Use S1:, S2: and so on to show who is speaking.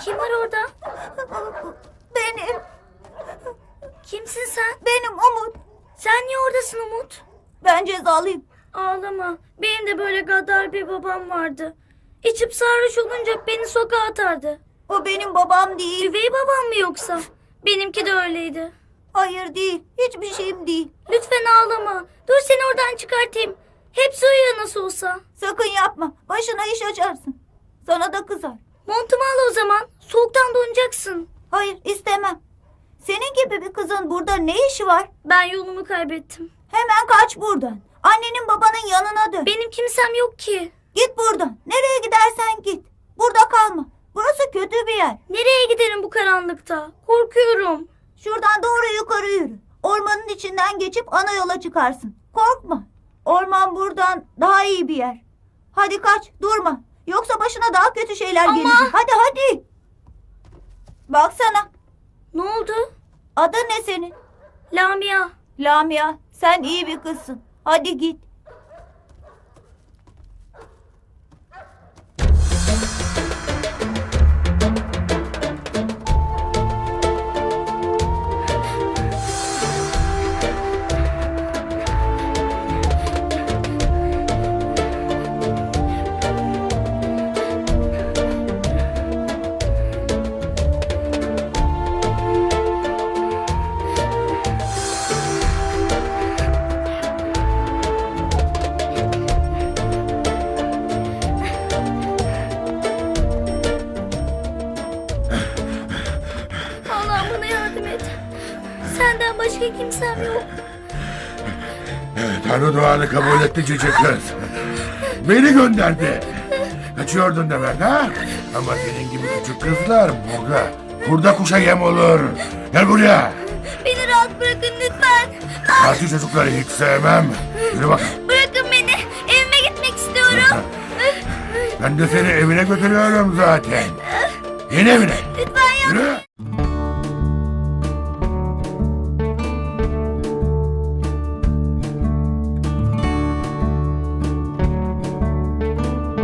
S1: Kim var orada?
S2: Benim.
S1: Kimsin sen?
S2: Benim Umut.
S1: Sen niye oradasın Umut?
S2: Ben cezalıyım.
S1: Ağlama. Benim de böyle gaddar bir babam vardı. İçip sarhoş olunca beni sokağa atardı.
S2: O benim babam değil.
S1: Üvey babam mı yoksa? Benimki de öyleydi.
S2: Hayır değil. Hiçbir şeyim değil.
S1: Lütfen ağlama. Dur seni oradan çıkartayım. Hepsi uyuyor nasıl olsa.
S2: Sakın yapma. Başına iş açarsın. Sana da kızar.
S1: Montumu al o zaman. Soğuktan donacaksın.
S2: Hayır istemem. Senin gibi bir kızın burada ne işi var?
S1: Ben yolumu kaybettim.
S2: Hemen kaç buradan. Annenin babanın yanına dön.
S1: Benim kimsem yok ki.
S2: Git buradan. Nereye gidersen git. Burada kalma. Burası kötü bir yer.
S1: Nereye giderim bu karanlıkta? Korkuyorum.
S2: Şuradan doğru yukarı yürü. Ormanın içinden geçip ana yola çıkarsın. Korkma. Orman buradan daha iyi bir yer. Hadi kaç, durma. Yoksa başına daha kötü şeyler
S1: Ama-
S2: gelecek. Hadi hadi. Baksana.
S1: Ne oldu?
S2: Adın ne senin?
S1: Lamia.
S2: Lamia. Sen iyi bir kızsın. Hadi git.
S1: Allah'ım bana yardım et. Senden başka kimsem yok.
S3: Tanrı duanı kabul etti cici kız. Beni gönderdi. Kaçıyordun demek ha? Ama senin gibi küçük kızlar burada. Burada kuşa yem olur. Gel buraya.
S1: Beni rahat bırakın lütfen.
S3: Parti çocukları hiç sevmem. Yürü bak.
S1: Bırakın beni. Evime gitmek istiyorum.
S3: Ben de seni evine götürüyorum zaten. Yeni evine.
S1: Lütfen yapma.
S3: Yürü.